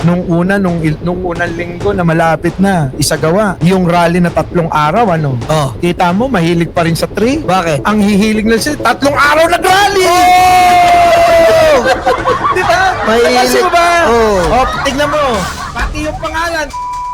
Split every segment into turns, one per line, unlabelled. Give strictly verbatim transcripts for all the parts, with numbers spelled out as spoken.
Nung una, nung, il- nung unang linggo na malapit na isagawa, yung rally na tatlong araw, ano?
Oh.
Kita mo, mahilig pa rin sa tree.
Bakit?
Ang hihilig na siya, tatlong araw nag-rally!
Oh!
Di ba?
Mahilig.
Kasi ba?
Oh.
Oh, tignan mo. Pati yung pangalan.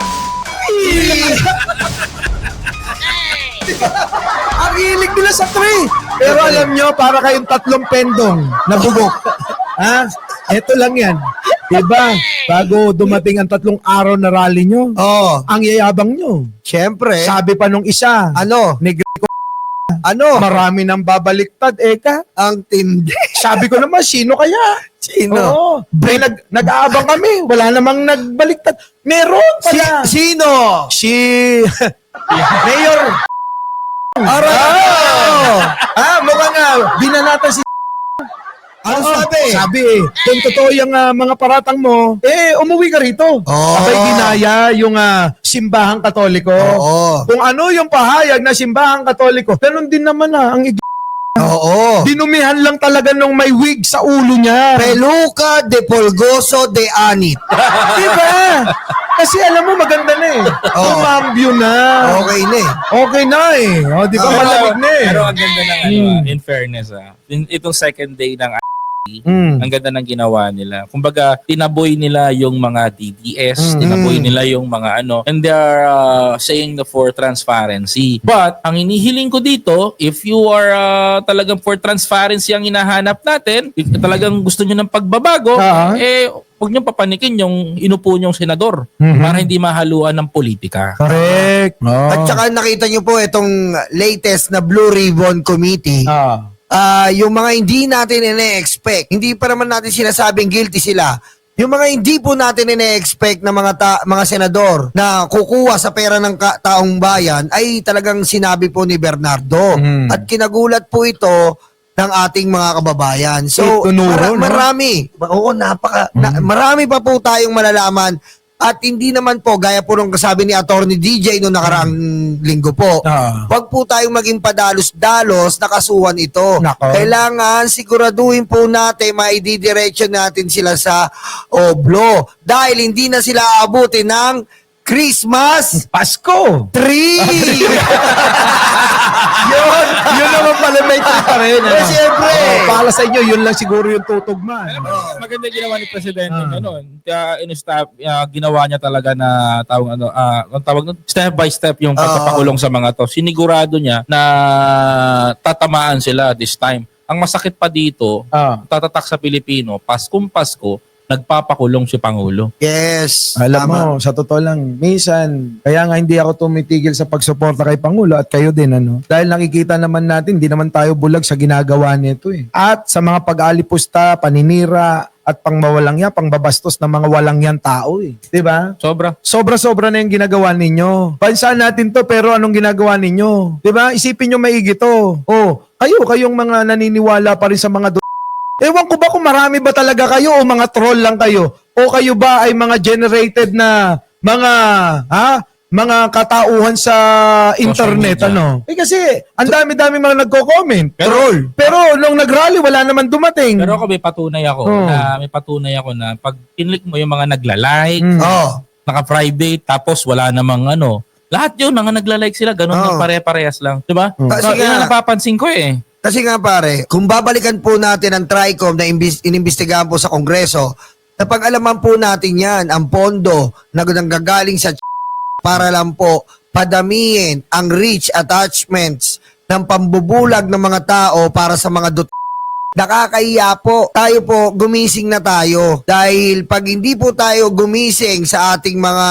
Ang hilig nila sa tree. Pero alam nyo, para kayong tatlong pendong na bubok. Ha? Ito lang yan. Diba? Bago dumating ang tatlong araw na rally nyo,
Oh.
ang yayabang nyo.
Siyempre.
Sabi pa nung isa,
Ano?
Negro,
Ano?
marami nang babaliktad, eka.
Ang tindi.
Sabi ko naman, sino kaya?
Sino?
Oo. Pre, nag, nag-aabang kami. Wala namang nagbaliktad. Meron
Si,
pala.
sino?
Si... Mayor.
Aray!
Oh! Ah, mukhang nga, binanatan si...
Ano
Oo,
sabi?
Sabi eh, kung totoo yung ah, mga paratang mo, eh, umuwi ka rito.
Oo.
Abay ginaya yung ah, simbahang katoliko.
Oo.
Kung ano yung pahayag na simbahang katoliko, ganun din naman ah, ang ig-
Oo.
dinumihan lang talaga nung may wig sa ulo niya.
Peluca de Polgoso de Anit.
Diba? Kasi alam mo, maganda na eh.
Oo.
Umambyo na.
Okay na eh.
Okay na eh. O, di ba
Oo.
malamig na eh.
Pero ang ganda ng ano,
Mm.
ah, in fairness ah. In- itong second day ng
Mm.
ang ganda ng ginawa nila. Kumbaga, tinaboy nila yung mga D D S,
Mm.
tinaboy nila yung mga ano, and they are uh, saying the for transparency. But, ang inihiling ko dito, if you are uh, talagang for transparency ang hinahanap natin, if talagang gusto nyo ng pagbabago,
Ah.
eh, huwag nyo papanikin yung inupo nyong senador
Mhm.
para hindi mahaluan ng politika.
Correct. Oh.
At saka nakita nyo po itong latest na Blue Ribbon Committee.
Ah.
Ah, yung mga hindi natin ine-expect, hindi pa naman natin sinasabing guilty sila. Yung mga hindi po natin ine-expect na mga ta- mga senador na kukuha sa pera ng ka- taong bayan ay talagang sinabi po ni Bernardo.
Mm.
At kinagulat po ito ng ating mga kababayan. So,
Eh, tunuro, no?
marami. Oo, napaka, na-
Mm.
marami pa po tayong malalaman. At hindi naman po, gaya po nung kasabi ni Attorney D J noong nakaraang linggo po,
Ah.
wag po tayong maging padalos-dalos na kasuhan ito.
Nako.
Kailangan siguraduhin po natin maididiretso natin sila sa oblo dahil hindi na sila aabutin ng Christmas
Pasko.
tree.
yun, yun naman pala may trip pa rin.
Eh, siyempre.
Oh, para sa inyo, yun lang siguro yung tutugma.
Maganda ginawa ni Presidente
Ah.
ano, uh, in-stop, uh, ginawa niya talaga na tawag ano, ah, ang tawag nun, step by step yung pagpapakulong sa mga to. Sinigurado niya na tatamaan sila this time. Ang masakit pa dito,
Ah.
tatatak sa Pilipino, Paskong Pasko, nagpapakulong si Pangulo.
Yes.
Alam
tama.
mo, sa totoo lang, minsan, kaya nga hindi ako tumitigil sa pagsuporta kay Pangulo at kayo din, ano? Dahil nakikita naman natin, hindi naman tayo bulag sa ginagawa nito eh. At sa mga pag-alipusta, paninira, at pangmawalangya, pangbabastos ng mga walangyang tao eh. 'Di ba?
Sobra.
Sobra-sobra na yung ginagawa ninyo. Bansa natin to, pero anong ginagawa ninyo? 'Di ba? Isipin nyo maigi to. Oh, kayo, kayong mga naniniwala pa rin sa mga do- Ewan ko ba kung marami ba talaga kayo o mga troll lang kayo? O kayo ba ay mga generated na mga, ha? Mga katauhan sa internet,
media.
ano? Eh kasi, ang dami-dami mga nagko-comment.
Pero-
troll. Pero nung nag-rally, wala naman dumating.
Pero ako may patunay ako
Oh.
na may patunay ako na pag kinlik mo yung mga nagla-like,
Mm.
Oh.
naka-private, tapos wala namang ano, lahat yun, mga nagla-like sila, ganun
Oo.
lang pare-parehas lang. Diba?
Oh.
Kasi
So, yun
nga-
ang napapansin ko eh.
Kasi nga pare, kung babalikan po natin ang TRICOM na imbis- inimbestigahan po sa Kongreso, napag-alaman po natin yan, ang pondo na nanggagaling sa para lang po padamihin ang rich attachments ng pambubulag ng mga tao para sa mga dut nakakahiya po. Tayo po, gumising na tayo. Dahil pag hindi po tayo gumising sa ating mga,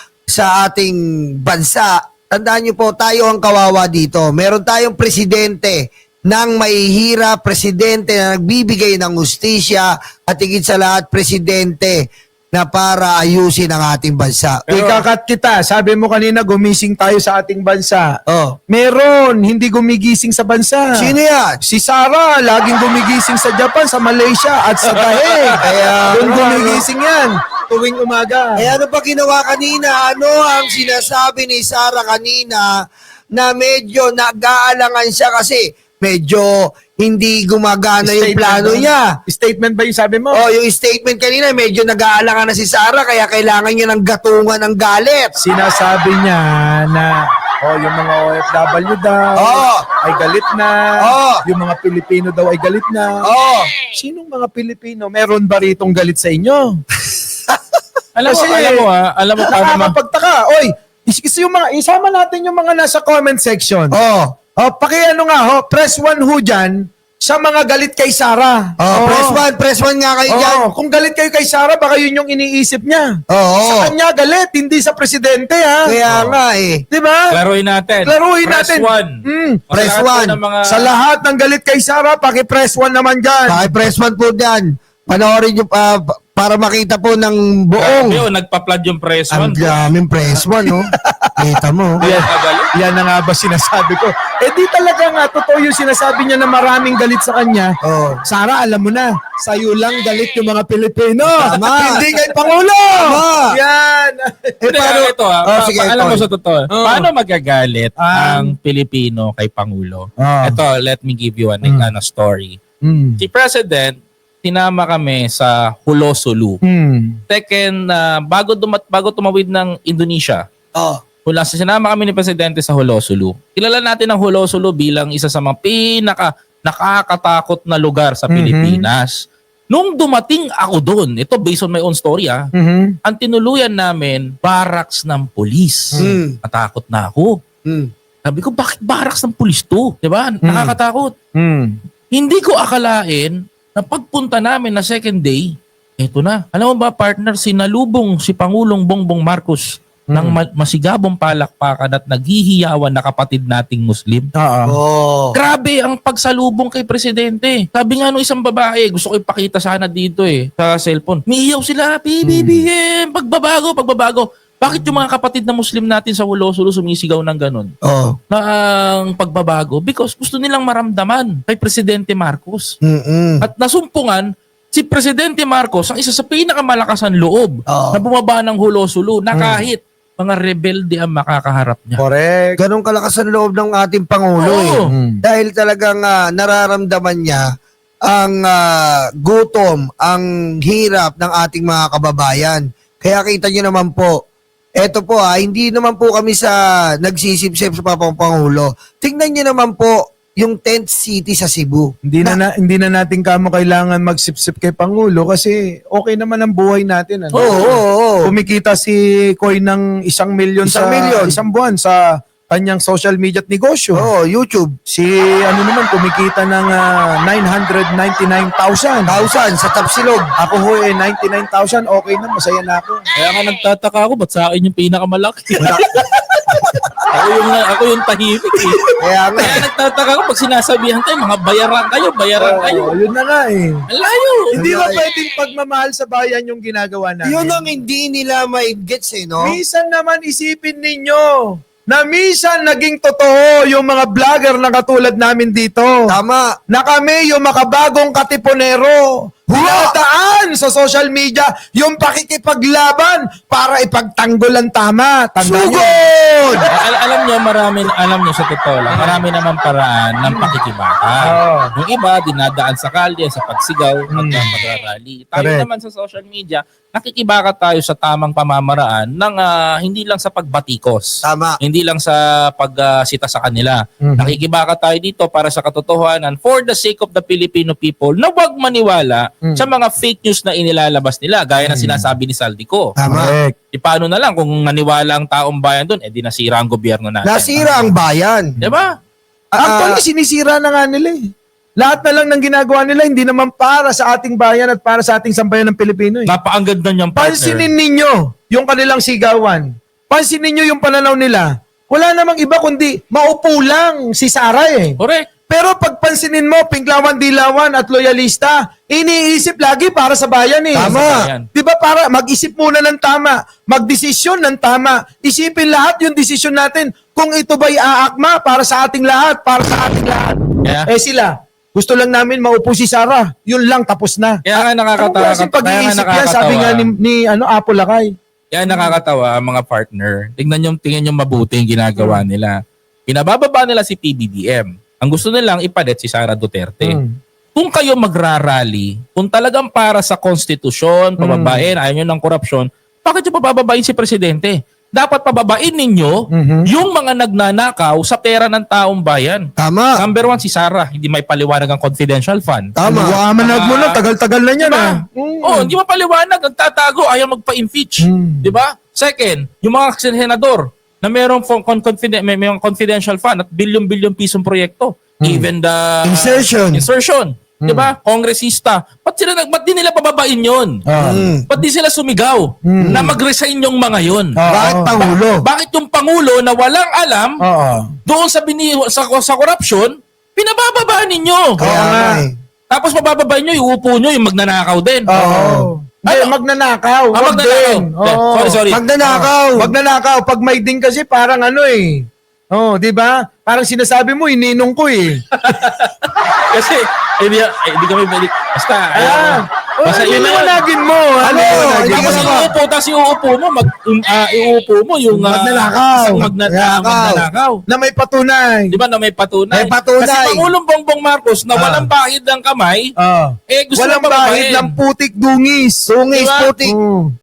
sa ating bansa, tandaan niyo po, tayo ang kawawa dito. Meron tayong presidente ng mahihirap, presidente na nagbibigay ng hustisya at higit sa lahat, presidente na para ayusin ang ating bansa.
Ikakat kita, sabi mo kanina gumising tayo sa ating bansa.
Oh,
Meron, hindi gumigising sa bansa.
sino yan?
Si Sarah, laging gumigising sa Japan, sa Malaysia, at sa Tahe.
Kaya,
Doon gumigising yan, tuwing umaga.
Eh ano pa ginawa kanina? Ano ang sinasabi ni Sarah kanina na medyo nag-aalangan siya kasi medyo hindi gumagana yung
Statement
plano
ba?
niya.
Statement ba yung sabi mo?
Oh, yung statement kanina, medyo nag-aalangan na si Sara kaya kailangan niya ng gatungan ng galit.
Sinasabi niya na oh, yung mga O F W daw
Oo.
ay galit na.
Oo.
Yung mga Pilipino daw ay galit na.
Oh,
Sinong mga Pilipino? Meron ba ritong galit sa inyo?
Alam mo,
Kasi-
alam mo ha, alam mo paano ma-
Nakakapagtaka. Oy, is- is yung mga, isama natin yung mga nasa comment section.
oh,
Oh, pakiano nga ho, press one ho dyan sa mga galit kay Sara.
oh, press one, press one nga kayo dyan.
Oo, kung galit kayo kay Sara, baka yun yung iniisip niya.
Oo.
Sa kanya galit, hindi sa presidente ha.
Kaya nga eh.
Di ba?
Klaruhin natin.
Klaruhin
Press
natin.
one.
Mm.
O, sa
Press
lahat po
one.
ng mga-
Sa lahat ng galit kay Sara, paki-press one naman dyan.
Bakit press one po dyan? Panoorin nyo pa para makita po ng buong.
Grabe, oh, nagpa-flood yung press
Ang
one.
daming press one, no? Kita mo.
Yan,
Magalit.
yan na nga ba sinasabi ko? Eh di talaga nga, totoo yung sinasabi niya na maraming galit sa kanya.
Oh.
Sara, alam mo na, sa'yo lang galit yung mga Pilipino.
Tama.
Hindi kay Pangulo.
Tama.
Yan.
Eh,
Hindi,
paano?
ito ha,
Oh,
pa-
sige,
pa- alam mo
Tol.
sa totoo,
Oh.
paano magagalit
Ah.
ang Pilipino kay Pangulo?
Ah.
Ito, let me give you an
Mm.
ano, story.
Hmm.
Si President, tinama kami sa Hulosulu.
Hmm.
Second, na bago, dumat, bago tumawid ng Indonesia,
Oh.
Hula, sinama kami ni Presidente sa Hulosulu. Kilala natin ang Hulosulu bilang isa sa mga pinaka nakakatakot na lugar sa
Mhm.
Pilipinas. Nung dumating ako doon, ito based on my own story ah,
Mhm.
ang tinuluyan namin, barracks ng pulis.
Mm.
Natakot na ako.
Mm.
Sabi ko, bakit barracks ng pulis to? Diba? Nakakatakot.
Hmm.
Hindi ko akalain na pagpunta namin na second day, eto na. Alam mo ba partner, sinalubong si Pangulong Bongbong Marcos ng ma- masigabong palakpakan at naghihiyawan na kapatid nating Muslim.
Oo.
Oh.
Grabe ang pagsalubong kay Presidente. Sabi nga nung isang babae, gusto ko ipakita sana dito eh, sa cellphone. Miiyaw sila, P B B M, pagbabago, pagbabago. Bakit yung mga kapatid na Muslim natin sa Hulosulu sumisigaw ng ganun?
Oh.
Na ang pagbabago? Because gusto nilang maramdaman kay Presidente Marcos.
Mm-mm.
At nasumpungan, si Presidente Marcos ang isa sa pinakamalakas ang loob
Oo.
na bumaba ng Hulosulu na kahit mga rebelde ang makakaharap niya.
Correct.
Ganon kalakas ang loob ng ating Pangulo eh.
Oo.
Hmm.
Dahil talagang ah, nararamdaman niya ang ah, gutom, ang hirap ng ating mga kababayan. Kaya kita niyo naman po, eto po ah, hindi naman po kami sa nagsisipsip sa Papang Pangulo. Tingnan niyo naman po yung tent city sa Cebu.
Hindi na, na hindi na natin kamo kailangan magsipsip kay Pangulo kasi okay naman ang buhay natin. Ano?
Oo, oo, oo.
Kumikita si Koy ng isang milyon
Isang
sa
milyon.
isang buwan sa kanyang social media at negosyo.
Oo, YouTube.
Si ano naman kumikita ng ah, nine hundred ninety-nine thousand.
Thousand sa Tapsilog.
Ako ho eh ninety-nine thousand, okay na, masaya na ako.
Kaya nga nagtataka ako, ba't sa akin yung pinakamalaki? ako yung ako yung tahimik eh.
Kaya nga.
Kaya nagtataka ako pag sinasabihan tayo, mga bayaran kayo, bayaran kayo.
Oo, yun na nga eh.
Ang layo.
Hindi ba
Ay.
pwedeng pagmamahal sa bayan yung ginagawa natin?
Yun ang hindi nila ma-gets eh, no?
Minsan naman isipin ninyo na minsan naging totoo yung mga vlogger na katulad namin dito.
Tama.
Na kami yung makabagong katipunero. Hulataan sa social media yung pakikipaglaban para ipagtanggol ang tama. Tandaan nyo.
Sugod!
Al- alam nyo, marami, alam nyo sa totoo lang, marami naman paraan ng pakikibaka.
Oo.
Yung iba, dinadaan sa kalye, sa pagsigaw,
Hmm.
pagka magrarally. Tayo
Correct.
naman sa social media, nakikibaka tayo sa tamang pamamaraan ng ah, hindi lang sa pagbatikos.
Tama.
Hindi lang sa pagsita sa kanila.
Mhm.
Nakikibaka tayo dito para sa katotohanan for the sake of the Filipino people na huwag maniwala
Mm.
sa mga fake news na inilalabas nila gaya ng sinasabi ni Saldico.
Tama.
Correct.
E paano na lang kung naniwala ang taong bayan doon, eh di nasira ang gobyerno natin.
Nasira ang bayan.
Diba?
Actually, sinisira na nga nila eh. Lahat na lang ng ginagawa nila, hindi naman para sa ating bayan at para sa ating sambayan ng Pilipino eh.
Napaanggad na niyang partner.
Pansinin ninyo yung kanilang sigawan. Pansinin ninyo yung pananaw nila. Wala namang iba kundi maupo lang si Sara eh.
Correct.
Pero pagpansinin mo, Pinklawan, Dilawan at loyalista, iniisip lagi para sa bayan eh.
Tama.
Bayan.
Di ba para mag-isip muna ng tama, magdesisyon ng tama, isipin lahat yung desisyon natin kung ito ba'y aakma para sa ating lahat, para sa ating lahat.
Yeah.
Eh sila, gusto lang namin maupo si Sara. Yun lang, tapos na.
Kaya nga
Anong
nakakatawa.
klaseng
Kaya nga
pag-iisip yan, sabi nga ni, ni ano, Apo Lakay.
Kaya nakakatawa ang mga partner. Tingnan yung tingnan yung mabuti yung ginagawa nila. Pinabababa nila si P B B M. Ang gusto nilang ipalit si Sara Duterte.
Mm.
Kung kayo magrarally, kung talagang para sa konstitusyon, pababain, ayaw nyo ng korupsyon, bakit nyo pababain si Presidente? Dapat pababain ninyo
Mhm.
yung mga nagnanakaw sa pera ng taong bayan.
Tama.
Number one, si Sara, hindi may paliwanag ang confidential fund.
Tama.
Liwanag mo na, tagal-tagal na yan
Diba?
ah. Mm.
Oh, hindi mapaliwanag, nagtatago, ayaw magpa-impeach.
Mm.
Di ba? Second, yung mga senador na mayroong fo- con- confiden- may, may mga confidential fund at bilyon-bilyon pisong proyekto. Even the
Insertion.
Insertion. Di ba? Kongresista. Ba't sila nag ba't di nila pababain 'yon?
Ah.
Mm.
Ba't di sila sumigaw na mag-resign yung mga 'yon?
Ah.
Bakit
Oo.
Pangulo?
Bakit yung pangulo na walang alam
Oo.
doon sa bini sa sa korupsyon, pinabababaan ninyo?
Kaya
nga.
nga eh.
Tapos pabababain nyo, iupo nyo, yung magnanakaw din.
Oo. Hindi,
Ano?
magnanakaw.
Ah,
Wag
magnanakaw.
din.
Hindi,
Oo.
sorry, sorry.
Magnanakaw.
Magnanakaw. Pag may ding kasi parang ano eh. Oh, di ba? Parang sinasabi mo, ininong ko eh.
Kasi, hindi, eh, hindi kami pwede. Basta,
Ah,
ayun. Basta yun na yun.
liwanagin mo.
Ano?
Liwanagin
Tapos
mo.
iuupo, tapos iuupo mo, mag, um, ah, iuupo mo yung ah,
Magnanakaw.
isang magna, ah,
Magnanakaw.
magnanakaw.
Na may patunay.
Di ba na may patunay?
May patunay.
Kasi Pangulong Bongbong Marcos na
Ah.
walang bahid ng kamay,
Ah.
eh gusto
Walang
na
bahid
pababain.
ng putik dungis.
Tungis,
Diba?
putik.
Oo.